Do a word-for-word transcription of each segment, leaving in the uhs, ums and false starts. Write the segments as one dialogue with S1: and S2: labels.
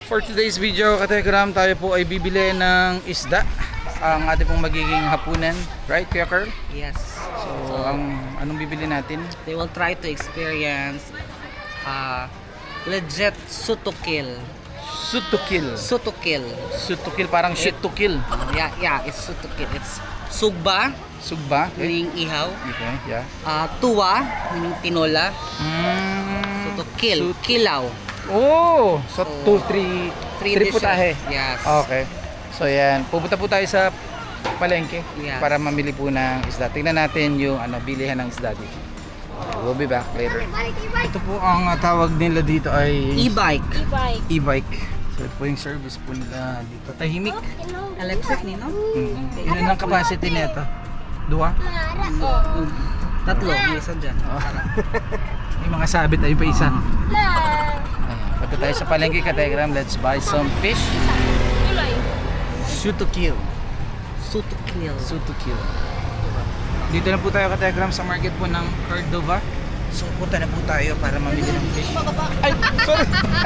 S1: For today's video, Katekram, tayo po ay bibili ng isda. Ang ating pong magiging hapunan. Right, Kuya Carl?
S2: Yes.
S1: So, ang anong bibili natin?
S2: They will try to experience uh, legit sutukil.
S1: Shoot to kill.
S2: Sutukil.
S1: Shoot to kill, parang shoot to kill.
S2: Uh, yeah, yeah, it's sutukil. It's sugba,
S1: Sugba. Okay.
S2: meaning ihaw.
S1: Okay, yeah.
S2: Uh, tuwa, meaning tinola.
S1: Mm.
S2: Sutukil,
S1: Sut-
S2: kilaw.
S1: Oh! So,
S2: So,
S1: two, three,
S2: Three
S1: three
S2: dishes.
S1: putahe.
S2: Yes.
S1: Okay. So, yan. Pupunta po tayo sa palengke
S2: Yes.
S1: para mamili po ng isda. Tingnan natin yung ano, bilihan ng isda dito. We'll be back later. Ito po ang uh, tawag nila dito ay
S2: E-bike.
S1: e-bike. So, ito po yung service po nila dito. Tahimik.
S2: Electric, Nino?
S1: Hmm. Ilan ang capacity nito? Dua?
S2: Tatlo, may isa dyan.
S1: Oh. May mga sabit ayun pa isa. Ayan. Punta tayo sa palengke, Katekram. Let's buy some fish. Shoot to kill.
S2: Sutukil.
S1: Shoot to kill. Dito na po tayo, Katekram, sa market po ng Cordova. So, punta na po tayo para mamili ng fish. Ay, sorry.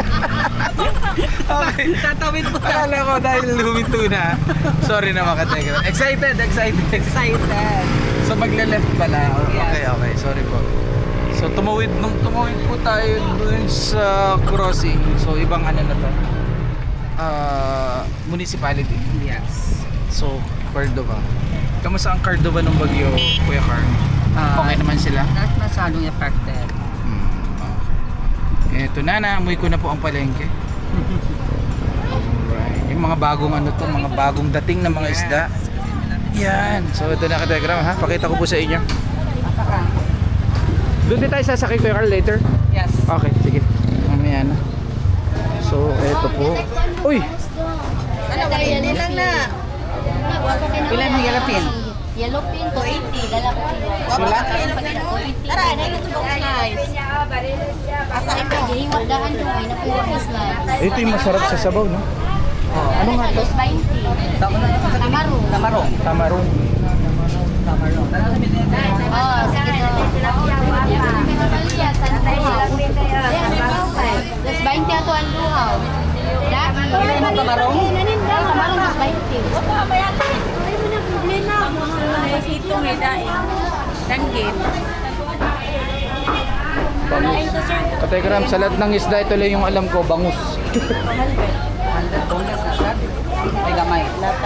S1: Okay.
S2: Tatawid po na.
S1: Akala ko dahil huminto na. Sorry na mga Katekram. Excited, excited.
S2: Excited.
S1: So, magle-left pala. Okay,
S2: Yes.
S1: okay. Sorry po. So, tumawid, nung tumawid po tayo dun sa crossing. So, ibang ano na to. Uh, municipality.
S2: Yes.
S1: So, Cordova. Kamusta ang Cordova ng bagyo, Kuya Carl?
S2: Ah,
S1: Okay naman sila?
S2: Not masyadong affected.
S1: Hmm. Okay. Eto na, naamoy ko na po ang palengke. Alright. Yung mga bagong ano to, mga bagong dating na mga isda. Yan. So, ito na, Katekram, ha? Pakita ko po sa inyo. Doon din tayo sasakay, Kuya Carl, later?
S2: Yes.
S1: Okay, sige. Mamaya na. So, eto po. Uy!
S2: Ano, one lang na. Ilan ang yellow pin?
S3: Yellow pin, two eighty. Lalaki.
S2: Wala?
S3: Tara, na ito box slice. Asa ito? Hihiwag daan ko ay napuro slice.
S1: Ito yung masarap sa sabaw, no?
S3: Ano nga to? twenty. Tamaro.
S2: Tamarong.
S1: Tamarong.
S2: Tamarong.
S3: Oh, sige to. Plus twenty ato ang luhaw. Dami.
S2: Ilan mo tamarong?
S3: Tamarong plus twenty.
S4: Ito may daing. Danggit.
S1: Bangus. Katekram, sa lahat ng isda, ito lang yung alam ko, bangus.
S2: Hundred bonus na siya. May gamay.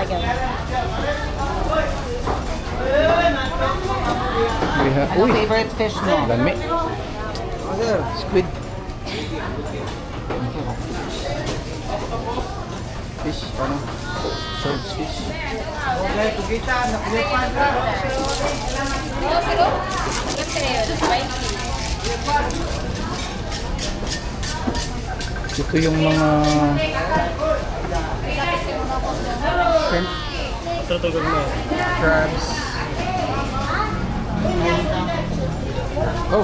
S1: Yeah.
S2: Ano
S1: Uy!
S2: favorite fish mo?
S1: Lami. Squid. Fish, ano? Swords fish. Okay, tugita, nakulipan ka. Ito yung mga shrimp, crabs. Oh!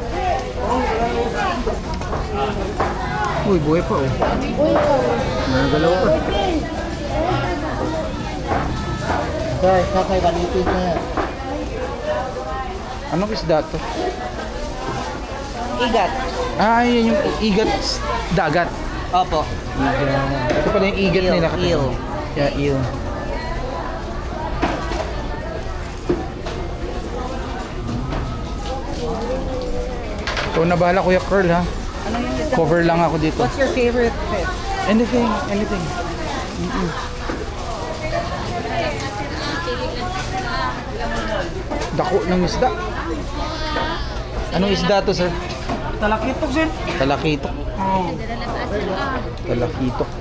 S1: Uy, buhay pa oh. Nagalaw pa.
S2: Guys, kakay balitin na yan.
S1: Anong isda to?
S2: Igat.
S1: Ah, yun yung igat s- dagat.
S2: Opo.
S1: Igat. Ito pala yung igat
S2: Eel,
S1: nila.
S2: eel.
S1: Yeah, eel. So, nabahala Kuya Carl, ha?
S2: Ano yung isda?
S1: Cover lang ako dito.
S2: What's your favorite fish?
S1: Anything, anything. Mm-mm. Dako ng isda. Anong isda to, sir?
S2: Talakitok, sir.
S1: Talakitok.
S2: Oh.
S1: Talakitok.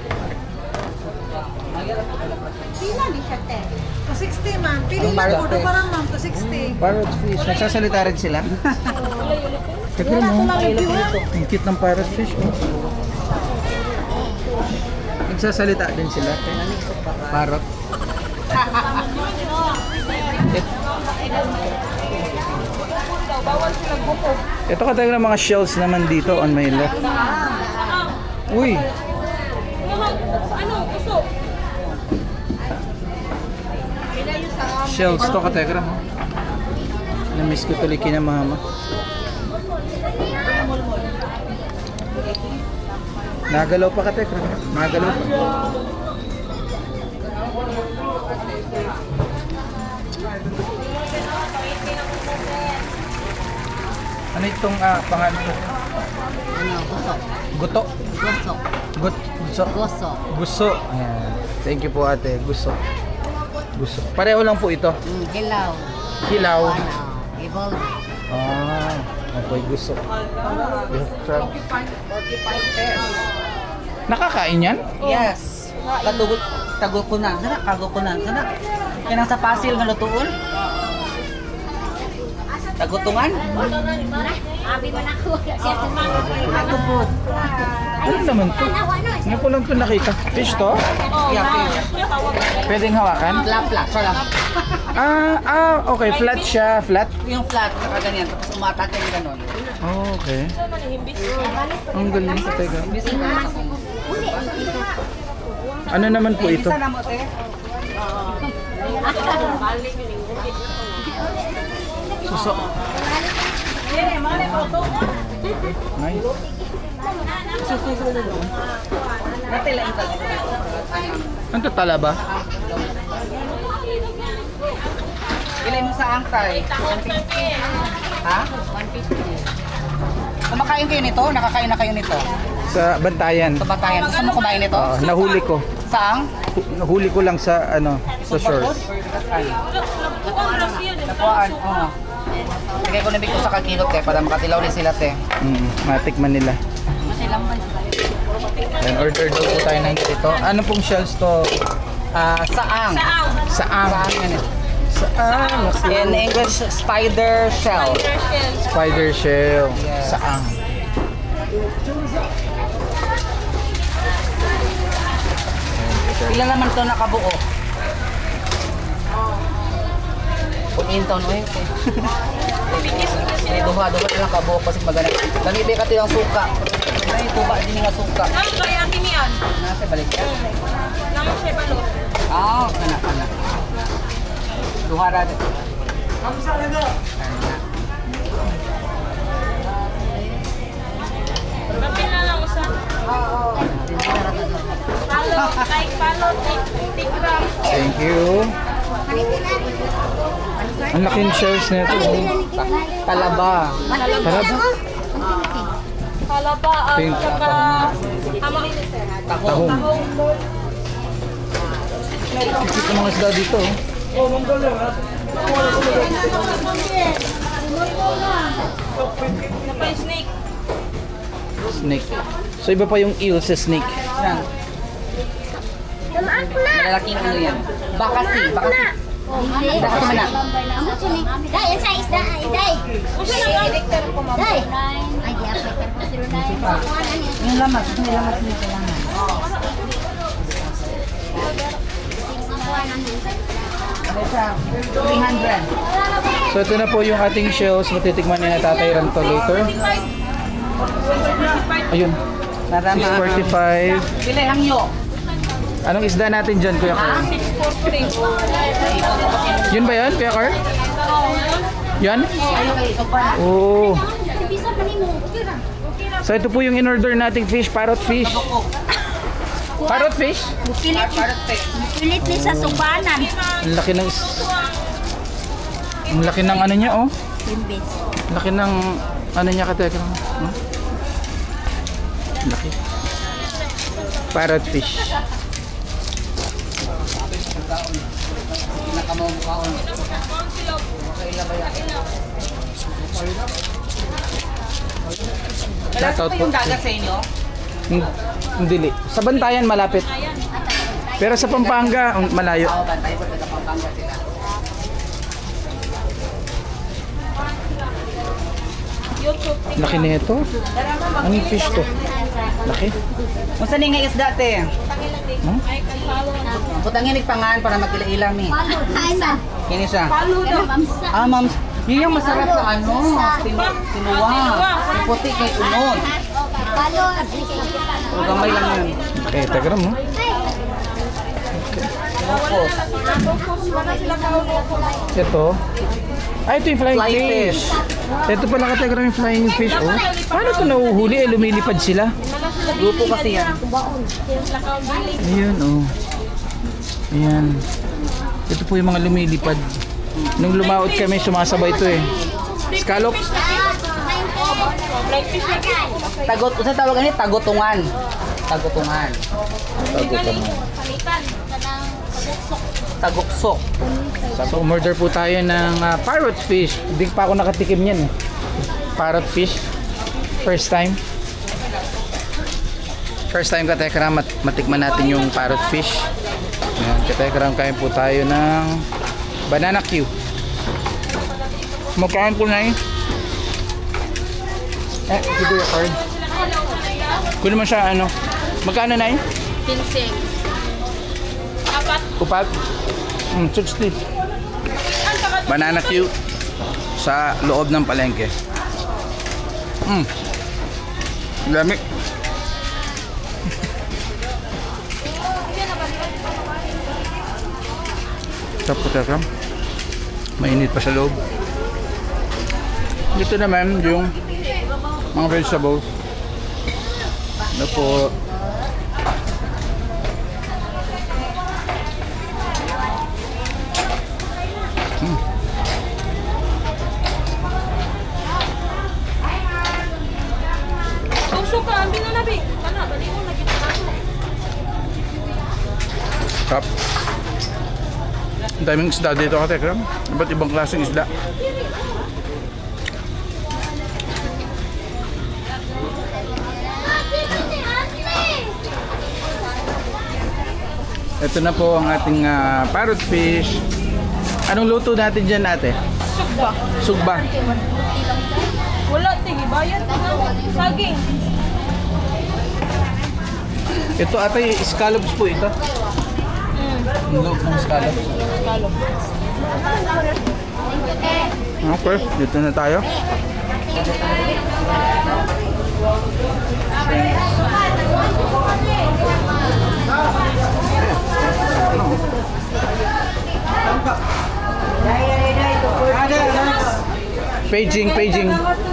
S4: To sixty man. Pili
S1: Ang
S4: lang
S1: parrot
S4: po.
S1: fish.
S4: Parang ma'am. To sixty.
S1: Parrot fish. Nagsasalita rin sila? Teka mo. Ang cute ng parrot fish. Oh. Nagsasalita din sila. Parrot. It- Ito ka tayo ng mga shells naman dito on my left. Uy! Shells to ka tayo. Na-miss ko tuloy kina mama. Nagalaw pa ka, Tekram. Nagalaw pa. Ano itong ah, pangalan ko?
S3: Ano, gusto.
S1: Guto.
S3: Gusto.
S1: Gut, gusto.
S3: Gusto.
S1: Gusto. Ayan. Thank you po ate. Gusto. Gusto. Pareho lang po ito.
S3: Mm, hilaw.
S1: Hilaw.
S3: Ano, ibon.
S1: Ah, okay. Gusto. Beef crab. Nakakain yan?
S2: Yes. Katugot, tago ko na. Sana, kago ko na. Sana. Yan ang sa pasil nga lutuon. Tagutungan?
S3: Abi man ako.
S2: Tagupod.
S1: Ano naman to? Ngayon ko lang ito nakita. Fish to?
S2: Yeah, fish.
S1: Pwedeng hawakan?
S2: Flat, flat. Siya lang.
S1: Ah, ah, okay. Flat siya. Flat?
S2: Yung flat, nakaganyan. Tapos umatake yung ganon.
S1: Oh, okay. Ang galing sa tega. Ano naman po ito?
S2: Isa na mo, te.
S1: Suso. Nice.
S2: Dati lang ito.
S1: Ano to, tala ba?
S2: Ilay mo sa angtay. one fifty. Ha? one fifty. Kumakain kayo nito? Nakakain na kayo nito?
S1: Sa Bantayan.
S2: Sa Batayan. Gusto mo kumain nito?
S1: Ah, nahuli ko.
S2: Saang?
S1: Hu- Nahuli ko lang sa ano, sa shores.
S2: Nakuhaan. Oo. Lagay ko na bigko sa kakilot eh para makatilaw din sila te.
S1: Mm, matikman nila. Then order daw po tayo ng ganito. Ano pong shells to?
S2: Ah, saang.
S1: Saang.
S2: Saang yan eh.
S1: Saang.
S2: In English, spider shell.
S1: Spider shell.
S2: Yes.
S1: Saang.
S2: Pila naman to nakabuo? Punintaw no eh. May duha-duha lang kabuo kasi magana. Nanibi ka tiyang suka. May tuba din nga suka.
S4: Ano kaya kinian?
S2: Nasa balik ka.
S4: Nang siya balot.
S2: Ah, kana kana. Duha ra.
S4: Kapil na lang usa. Palot, like palot, take gram.
S1: Thank you. Ang laking shells nito.
S2: Talaba.
S1: Talaba?
S4: Palaba at
S1: Pink.
S4: saka amang
S1: Tahong. Kikit ng mga isda dito. oh.
S4: Napa yung snake.
S1: Snake. So iba pa yung eel sa snake.
S2: Yan. Malalaking ano yan. Bakasi. Bakasi. Bakasi man na.
S3: Amo sini. Dai, yan sa isda, ay dai. Dai. Ay, di apa ka zero nine.
S2: Yung lamas. May lamas nito lang. Ano siya? three hundred.
S1: So ito na po yung ating shells. Matitikman ni na Tatay Ram to later. Ayun.
S2: Narama.
S1: six forty-five.
S2: Pila ang yo.
S1: Anong isda natin dyan, Kuya Carl?
S4: six forty.
S1: Yun ba yan, Kuya Carl? Yan? Oo.
S3: Bisa pa nimo.
S1: So ito po yung in-order nating fish, parrot fish. Parrot fish?
S3: Pilit. Pilit ni sa subanan.
S1: Ang laki ng... Ang laki ng ano niya, oh.
S3: Bimbis.
S1: Laki ng... Ano niya, kateka. Hmm? Laki. Parrot fish.
S2: Nakamamukhaon.
S1: Shoutout
S2: Malapit
S1: po.
S2: yung dagat sa inyo?
S1: Hin- Hindi. Sa Bantayan, malapit. Pero sa Pampanga, um, malayo.
S2: Oo, bantay po sa Pampanga sila.
S4: YouTube.
S1: Laki nito. Anong fish to? Laki.
S2: Kung saan nga isda te?
S1: Hmm?
S4: Ay, kay follow.
S2: Putangin pangan para magkila-ilam eh.
S3: Ay man.
S2: Kini siya.
S4: Follow daw.
S3: Mamsa.
S2: Ah, ma'am. Yun yung masarap sa ano. Tinu tinuwa. Yung puti kay unod.
S3: Palo.
S2: Pero gamay lang yun.
S1: Okay, tagram mo.
S2: Locos.
S1: Ito. Ay, ito yung flying
S2: Fly
S1: fish. Ito pala katagram yung flying fish. Oh. Paano ito nahuhuli? Eh, lumilipad sila.
S2: Grupo kasi yan.
S4: Lakaw biling.
S1: Ayun, oh. Ayan. Ito po yung mga lumilipad. Nung lumaot kami, sumasabay ito eh. Scallop.
S4: Black fish na kayo.
S2: Tagot, usa tawag ani tagotungan. Tagotungan.
S1: Tagutan.
S4: Palitan.
S2: Taguksok.
S1: So, order po tayo ng ah, parrot fish. Hindi pa ako nakatikim yan eh. Parrot fish. First time. First time ka Tekram, mat matikman natin yung parrot fish. Ayan, ka Tekram, kain po tayo ng banana Q. Magkain po na eh. Eh, ito yung card. Kung naman siya ano. Magkano na eh?
S4: Pinsing. Apat.
S1: Upat? Mm, sixty. Banana Q sa loob ng palengke. Mm. Lamig. Sarap po Tekram. Mainit pa sa loob. Dito naman yung mga vegetables. Ano po?
S4: Tusok ka. Ambil na nabi. Kana, bali mo lagi na ako.
S1: Sarap. Ang daming isda dito ka Tekram. Iba't ibang klaseng isda. Ito na po ang ating ah, parrot fish. Anong luto natin dyan ate?
S4: Sugba.
S1: Sugba.
S4: Wala, tige. Bayad. Saging.
S1: Ito ate, scallops po ito.
S4: Mm.
S1: Ang loob ng scallops.
S4: Kalo.
S1: Okay, dito na tayo. Paging, paging.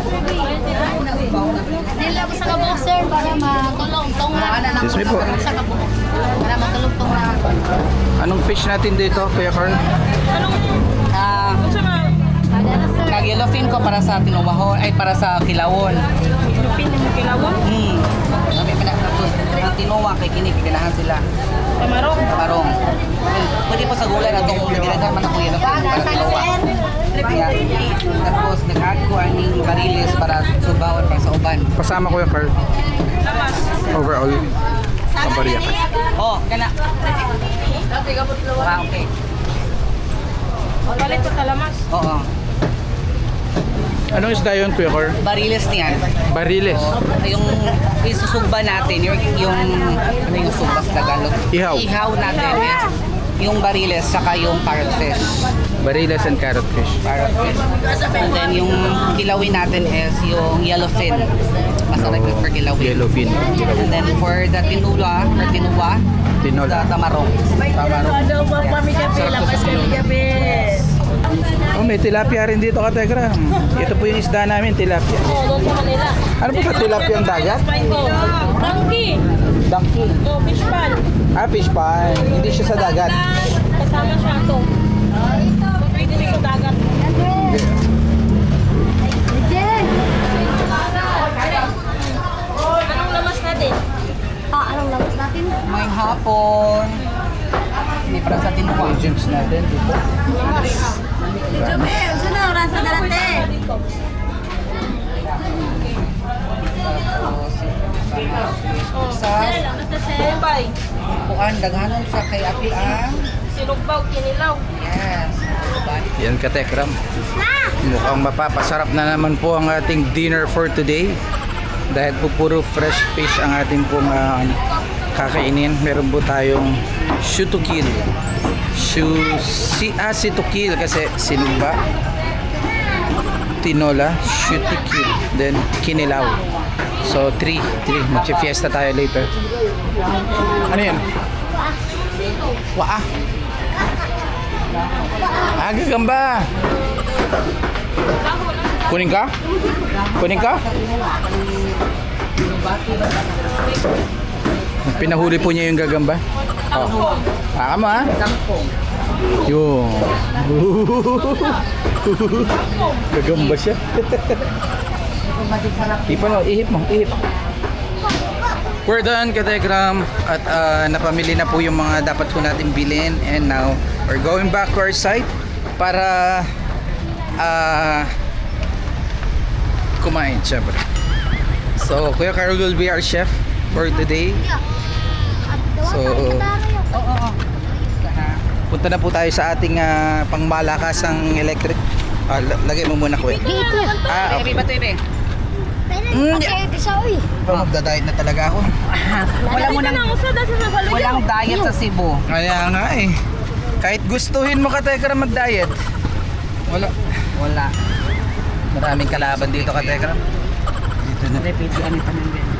S3: Nila ko sa kabuk, sir, para matulong tong na.
S1: Yes, may po.
S3: Sa kabuk. Para matulong tong na.
S1: Anong fish natin dito, Kuya Carl?
S4: Anong,
S2: Ah,
S4: ano siya nga?
S3: Ada na, sir.
S2: kag yellowfin ko para sa tinubahon ay para sa kilawon.
S4: Lupin mo kilawon?
S2: Hmm. Kami pina tapos ang tinuwa kay kini ganahan sila.
S4: Tamarong.
S2: Kamarong. Pwede po sa gulay na itong ginagawa man ako yun para tinuwa. Kaya, tapos nag-add ko aning bariles para subawon para sa uban.
S1: Pasama Kuya Carl.
S4: Lamas.
S1: Overall. Pabariya ka.
S2: Oh, kana. Ah, okay.
S4: Palit ko talamas.
S2: Oo.
S1: Anong isda yun, Kuya Carl?
S2: Bariles niyan.
S1: Bariles.
S2: Yung isusugba natin, yung, yung ano yung sugba sa Tagalog?
S1: Ihaw.
S2: Ihaw natin is yung bariles saka yung parrot fish.
S1: Bariles and carrot fish.
S2: Parrot fish. And then yung kilawin natin is yung yellowfin. Masarap yung for kilawin.
S1: Yellowfin.
S2: And then for the tinula, or tinuwa,
S1: Tinola.
S2: the tamarong. Tamarong.
S1: Sarap sa silong. Oh, may tilapia rin dito ka Tekram. Ito po yung isda namin, tilapia.
S4: Oo, doon sa Manila.
S1: Ano po ka tilapia ang dagat?
S4: Spine ko. Monkey.
S1: Donkey.
S4: Oh, fish pan.
S1: Ah, fish pan. Hindi siya sa dagat.
S4: Kasama siya ito. Pwede rin sa dagat. Anong lamas natin?
S3: Ah, anong labas natin?
S2: May hapon. May para sa tinuwa.
S1: Agents natin dito.
S3: Sino, rasa darate?
S2: Sa
S4: Bombay.
S2: kuan, daghanon sa kay Api ang
S4: Sinugbaw, kinilaw.
S2: yes.
S1: Yan ka Tekram. Mukhang mapapasarap na naman po ang ating dinner for today. Dahil po puro fresh fish ang ating pong ah, kakainin. Meron po tayong shoot to kill. Shoot, si, ah, si to kill kasi sinumba. Tinola, shoot to kill. Then kinilaw. So three, three. Magsi-fiesta tayo later. Ano yan? Waa. Ah, gagamba. Kunin ka? Kunin ka? Pinahuli po niya yung gagamba. Oh. Baka mo ha?
S2: Kangkong.
S1: Yung. Gagamba siya. Ipa mo, ihip mo, ihip. We're done, Kategram. At ah, napamili na po yung mga dapat po natin bilhin. And now, we're going back to our site para ah, kumain, syempre. So, Kuya Carl will be our chef for today. So,
S2: Oo, oo.
S1: punta na po tayo sa ating ah, pangmalakasang electric. Ah, la- lagay mo muna, Kuya. Ah,
S2: Baby,
S1: okay.
S2: ba ito, baby?
S1: Mm,
S3: Kaya ito siya, uy.
S1: Oh, magda-diet na talaga ako.
S2: Wala mo
S4: Dito
S2: nang,
S4: na usa dahil sa balay.
S2: walang diet sa Cebu.
S1: Kaya nga eh. Kahit gustuhin mo ka Tekram mag-diet. Wala.
S2: Wala.
S1: Maraming kalaban dito ka Tekram. Dito na.
S2: Repeat, ano pa nang ganyan.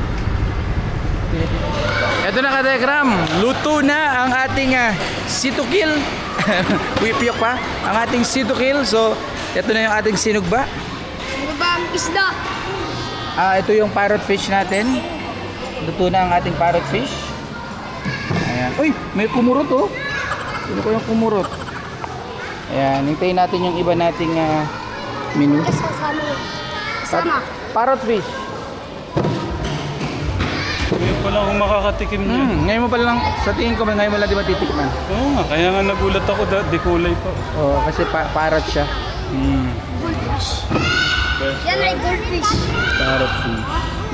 S1: Ito na ka Tekram. Luto na ang ating uh, situkil. Wipyok pa. Ang ating situkil. So, ito na yung ating sinugba.
S3: Ano ba ang isda?
S1: Ah, ito yung parrot fish natin. Luto na ang ating parrot fish. Ayan. Uy, may kumurot oh. Sino ko yung kumurot? Ayan, hintayin natin yung iba nating ah, menu.
S3: Kasama. Kasama.
S1: Parrot fish.
S5: Ngayon pa lang ako makakatikim niya.
S1: Hmm, ngayon mo pa lang, sa tingin ko, ngayon mo lang di ba titikman?
S5: Oo nga, kaya nga nagulat ako, da, di kulay pa.
S1: Oo, kasi pa parrot siya.
S5: Hmm.
S3: Goldfish. Yan ay goldfish.
S1: Parrot fish.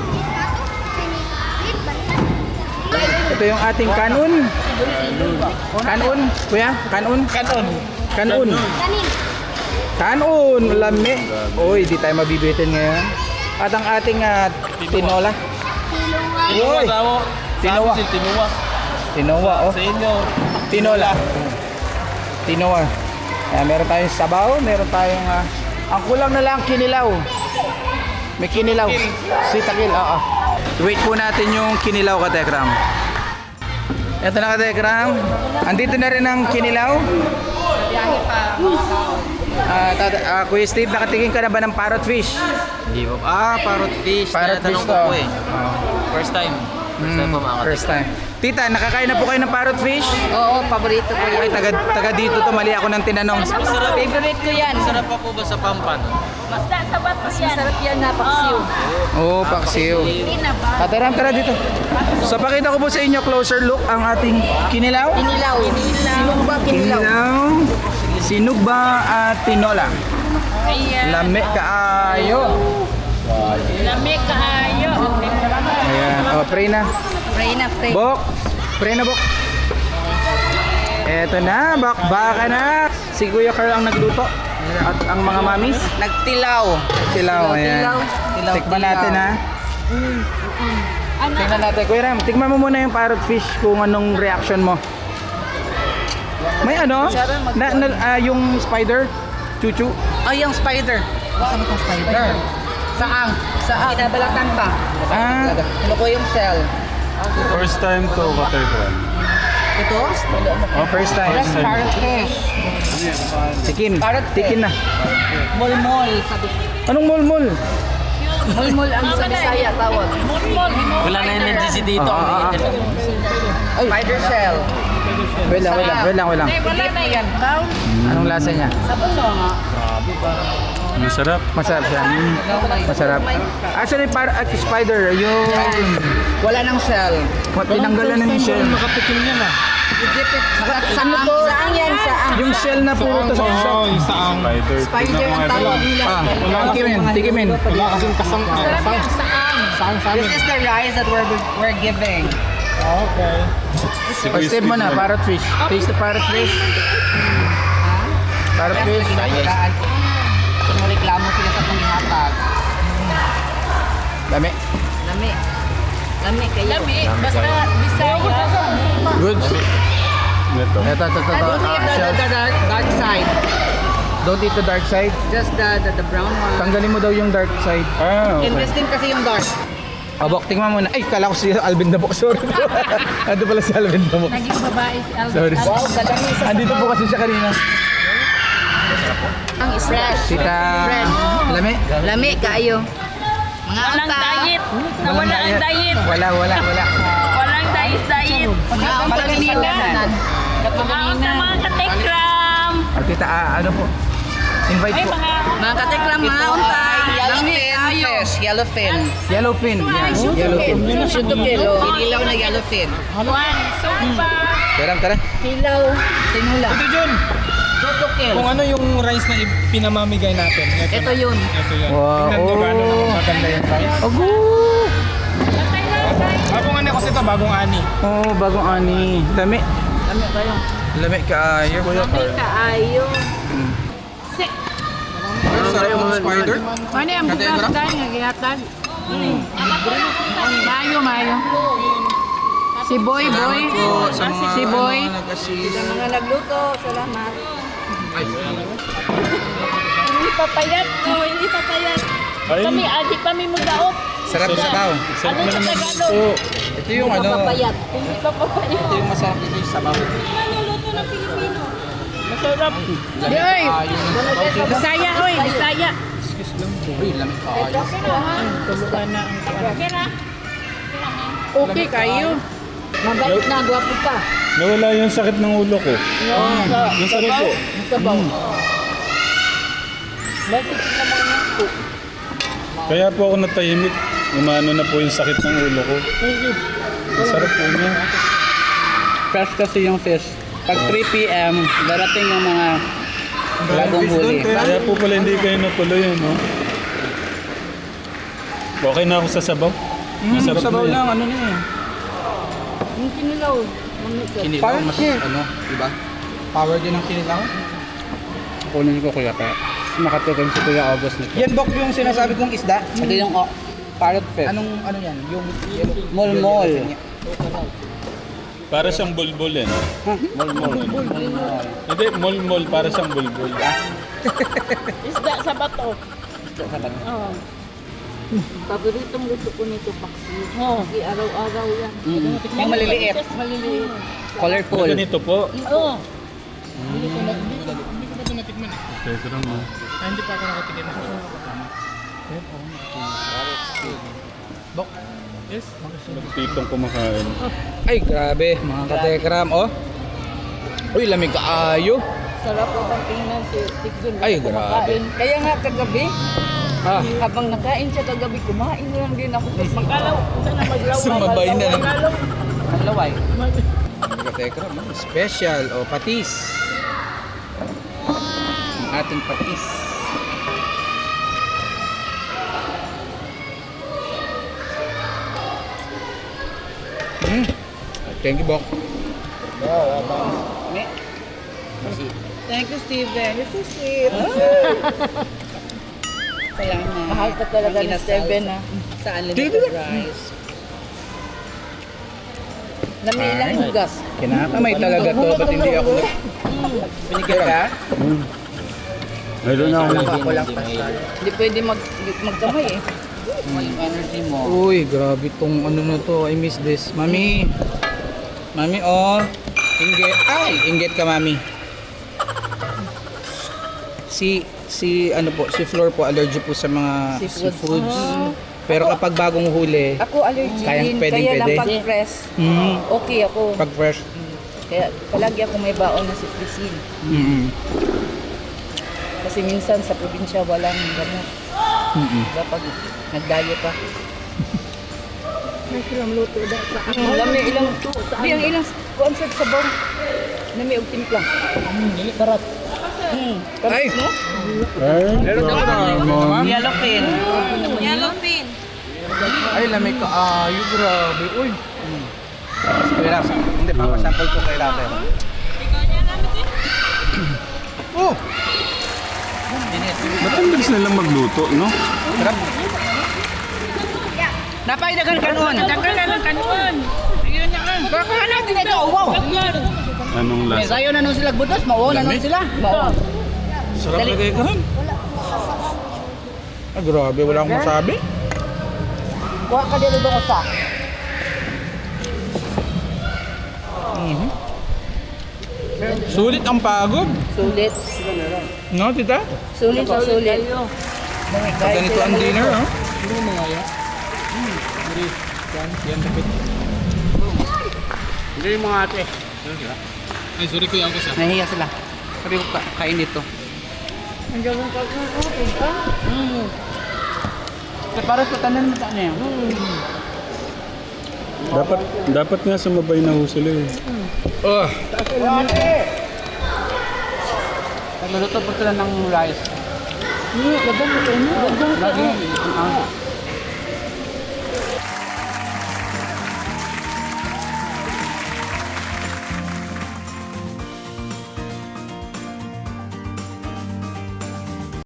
S1: Ito yung ating kanon. Kanon, kuya? Kanon? Kanon. Kanon.
S3: Kanin.
S1: Kanon, lami. Uy, di tayo mabibitin ngayon. At ang ating ah, tinola.
S3: Tulungan.
S1: Uy, tinowa.
S5: Tinuwa.
S1: Tinowa, oh.
S5: Sa inyo.
S1: Tinola. Tinola. Ayan, meron tayong sabaw, meron tayong ah, ang kulang na lang kinilaw. May kinilaw. Sitakil, oo. Wait po natin yung kinilaw ka Tekram. Ito na ka Tekram. Andito na rin ang kinilaw. Ah, tata, ah, Kuya Steve, nakatingin ka na ba ng parrot fish?
S6: Hindi po. Ah, parrot fish.
S1: Parrot fish
S6: Tinatanong
S1: to.
S6: ko po eh.
S1: Oh.
S6: First time. First time po mga
S1: Mm, first time. Tita, nakakain na po kayo ng parrot fish?
S2: Oo, paborito ko
S1: Ay,
S2: yan.
S1: taga, taga dito to, mali ako ng tinanong.
S6: Masarap.
S2: Favorite ko yan.
S6: Masarap pa po ba sa Pampan?
S4: Basta sa bat
S2: Mas masarap yan na paksiw.
S1: Oo, oh, paksiw.
S2: Hindi na ba?
S1: Tataram, tara dito. So, pakita ko po sa inyo, closer look, ang ating kinilaw.
S2: Kinilaw. Sinong ba kinilaw?
S1: Kinilaw, sinugba at tinola.
S4: Ayan.
S1: Lami kaayo.
S4: Lamig kaayo.
S1: Ayan, oh, pray na.
S2: Pray na, pray.
S1: Bok, pray na, Bok. Eto na, bakbaka na. Si Kuya Carl ang nagluto. At ang mga mamis,
S2: Nagtilaw.
S1: tilaw. Ayan.
S2: Tilaw, tilaw,
S1: Tikman
S2: tilaw.
S1: natin ha. Tingnan natin. Kuya Ram, tikman mo muna yung parrot fish kung anong reaction mo. May ano? Na, na, ah, yung spider? Chuchu?
S2: Ay, yung spider. Saan mo itong spider? Saang? Saang? Kinabalatan pa.
S1: Ah,
S2: Ano ko yung shell?
S5: First time to, Katekram.
S2: Ito?
S1: oh, first time.
S2: Yes, parrot fish.
S1: Tikim.
S2: Parrot fish.
S1: Tikim na.
S2: Mulmol. Sabi.
S1: Anong mulmul?
S2: Mulmol ang sa Bisaya tawag.
S6: Wala na energy si Tito.
S1: Ah, ah, ah. Ay,
S2: Spider shell.
S1: wait lang, wait lang, wait lang, wait lang.
S2: Wala na yan. Brown.
S1: Anong lasa niya?
S5: Masarap.
S1: Masarap siya. Masarap. Actually, para at spider, yung
S2: Wala nang shell.
S1: tinanggalan na yung shell.
S2: Saan to? Saan yan? Saan?
S1: Yung shell na puro to sa isa.
S5: Spider.
S2: Spider ang tawag nila.
S1: Ah, tikimin, tikimin.
S5: Wala kasing kasang
S2: This is the rice that we're, we're giving.
S1: O, step mo na, parrot fish. Taste the parrot fish. Parrot fish.
S2: Kung reklamo sila sa panghatag.
S1: Dami.
S2: Lami. Lami kayo.
S4: Lami. Basta Bisaya.
S1: Good.
S5: Ito.
S1: Ito, ito, ito. ito.
S2: Don't eat
S1: Ah,
S2: the,
S1: shell.
S2: the, the dark, dark side.
S1: Don't eat the dark side.
S2: Just the, the, the brown one.
S1: Tanggalin mo daw yung dark side.
S5: Ah, okay.
S2: Interesting kasi yung dark.
S1: Abok, tingnan mo muna. Ay, kala ko si Alvin Dabok. Sorry. Ando pala si Alvin Dabok.
S4: Naging babae si Alvin.
S1: Sorry. Andito po kasi siya kanina.
S2: Ang fresh.
S1: Tita,
S2: Fresh.
S1: lami.
S2: Lami kayo.
S4: Walang diet. Nawala ang diet.
S1: Wala, wala, wala.
S4: Walang diet, diet.
S2: Pagkakalimutan.
S4: Mga mga katekram.
S1: At tita, ah, ano po? Invite
S4: Ay,
S1: po.
S4: mga...
S2: Mga katekram, mga untay. Yellowfin fish. Yellowfin.
S1: Yellowfin. Yan, yellowfin.
S2: Shuto kilo. Inilaw na yellowfin.
S4: One, sopa.
S1: Tara, tara.
S2: Kilaw. Tinula.
S7: Ito Jun,
S2: Shuto kilo.
S7: kung ano yung rice na pinamamigay natin. Ito,
S2: Ito
S7: na.
S2: yun.
S7: Ito yun.
S1: Wow.
S7: Tingnan nyo gaano naman maganda yung rice.
S1: Ago!
S7: Bagong ano kasi ito, bagong ani.
S1: Oh, bagong ani. Lami.
S2: Ano kayo?
S1: Lami ka ayo.
S4: Kaayo.
S1: Ang sarap ng spider.
S4: Ano yung bukas dahil nga ginatag? Mayo, mayo. Si Boy, Boy.
S1: Salamat po sa mga
S4: Si Boy.
S1: ano, nag-assist.
S2: Mga nagluto. Salamat.
S1: Ay,
S4: Hindi papayat. No, hindi papayat.
S5: Ay,
S4: Kami, adik kami mo daot.
S1: sarap sa tao.
S5: sarap
S4: Ano
S5: na
S4: sa
S5: naman
S4: Tagalog?
S5: ito.
S1: Ito yung ano.
S4: Hindi pa papayat.
S1: Ito yung masarap dito yung sabaw.
S4: Luto ng Pilipino. Masarap.
S1: Lami ka ayo.
S4: Bisaya, oy, Bisaya.
S1: Uy, lami ka ayo.
S4: Okay na. Okay kayo.
S2: Mabait na. Gwapo pa.
S5: Nawala yung sakit ng ulo ko. Yung sakit ko.
S2: Sabaw.
S5: Kaya po ako natahimik. Umano na po yung sakit ng ulo ko. Ang sarap po niya.
S2: Fresh kasi yung fish. Pag three p m, darating yung mga bagong huli.
S5: Kaya po pala hindi kayo natuloy, no? Okay na ako sa sabaw. Masarap
S1: Sabaw
S5: na yan.
S1: lang, ano na eh.
S2: Yung kinilaw.
S1: Kinilaw, mas ano, diba? Power din ang kinilaw.
S2: Kunin ko kuya kaya. Makatikim si Kuya August nito.
S1: Yan, Bok, yung sinasabi kong isda.
S2: Ito yung oh, parrot fish.
S1: Anong, ano yan? Yung yellow.
S2: Molmol.
S1: yellow fin niya.
S5: Para siyang bulbul yan.
S2: Molmol.
S5: Hindi, molmol para siyang bulbul.
S4: Isda sa bato.
S2: Oo. Paboritong gusto ko nito paksi.
S4: Oo.
S2: Hindi araw-araw yan.
S1: Mm.
S2: Yung maliliit.
S4: Maliliit.
S2: Colorful.
S5: Ganito po.
S4: Oo.
S5: Teka lang mo.
S7: Ah, hindi pa ako nakatikim.
S1: Bok.
S7: Yes.
S5: Magpitong kumakain.
S1: Ay, grabe, mga katekram, oh. Uy, lamig ka ayo.
S2: Sarap po ang tingnan si Tigdun.
S1: Ay, grabe.
S2: Kaya nga kagabi,
S1: Ah,
S2: habang nakain siya kagabi, kumain lang din ako. Tapos
S4: Magkalaw. Sana maglaway.
S1: Sumabay na lang.
S4: Magkalaw.
S2: Maglaway.
S1: katekram, oh. Special, o patis. Ang ating patis. Mm. Thank you, Bok.
S2: Thank you, Steven. You're so sweet. Salamat. Mahal ka talaga ni Steven, ha? Sa unlimited rice. Namilang hugas.
S1: Kinakamay talaga to, ba't hindi ako nag... Binigyan ka?
S5: Mayroon na ako.
S2: Hindi pwede mag magkamay, eh. Yung energy mo.
S1: Uy, grabe tong ano na to. I miss this. Mami. Mami, oh. Inggit. Ay, inggit ka, Mami. Si, si, ano po, si Flor po, allergy po sa mga
S2: Seafoods.
S1: seafoods. Pero kapag bagong huli,
S2: Ako allergy
S1: Kayang
S2: din.
S1: pwedeng
S2: Kaya lang
S1: pwede.
S2: pag press,
S1: mm,
S2: okay ako.
S1: pag fresh,
S2: Kaya palagi ako may baon na citricin.
S1: mm,
S2: Kasi minsan sa probinsya walang gamot.
S1: mm,
S2: Diba pag nagdayo ka?
S4: May silang luto daw sa
S2: Hmm, lami ilang Di ang ilang concert sa bawang. Lami og timpla. Karat. Hmm.
S1: Ay!
S2: No?
S1: Meron ka ba?
S2: Yellowfin.
S4: Yellowfin.
S1: Ay, lamig ka. Ayo, grabe. Uy. Mm. Kuya Raps, hindi pa. Sample ko kay Raps. Oh!
S5: Ba't ang bilis nilang magluto, no?
S1: Sarap.
S2: Napaidagan kanon.
S4: Dagdagan ng kanuan. Ayun na nga.
S2: Baka natin ito. Wow.
S5: Anong
S2: May
S5: lasa?
S2: sayo na nun sila butos. Mao na nun sila. Mao.
S1: Sarap na kayo kahan. Ah, grabe. Wala akong masabi.
S2: Kuha ka dito doon sa.
S1: Mhm. Sulit ang pagod.
S2: Sulit.
S1: No, tita?
S2: Sulit sa sulit.
S1: Pag ganito ang dinner, oh.
S7: Hindi mo mga yan. Hmm. Hindi. Yan. Yan lapit. Hindi yung mga ate. Ano sila? Ay, sorry kuya ako siya.
S2: Nahihiya sila. Sabi ko, ka- kain dito.
S4: Ang gawin ka ko.
S2: Mm. Para sa tanan mo saan yan.
S5: Dapat, dapat nga sumabay na ho sila eh.
S2: Nagluluto po sila ng rice.
S4: Ni, laban mo ko ni.
S2: Lagi. Ah.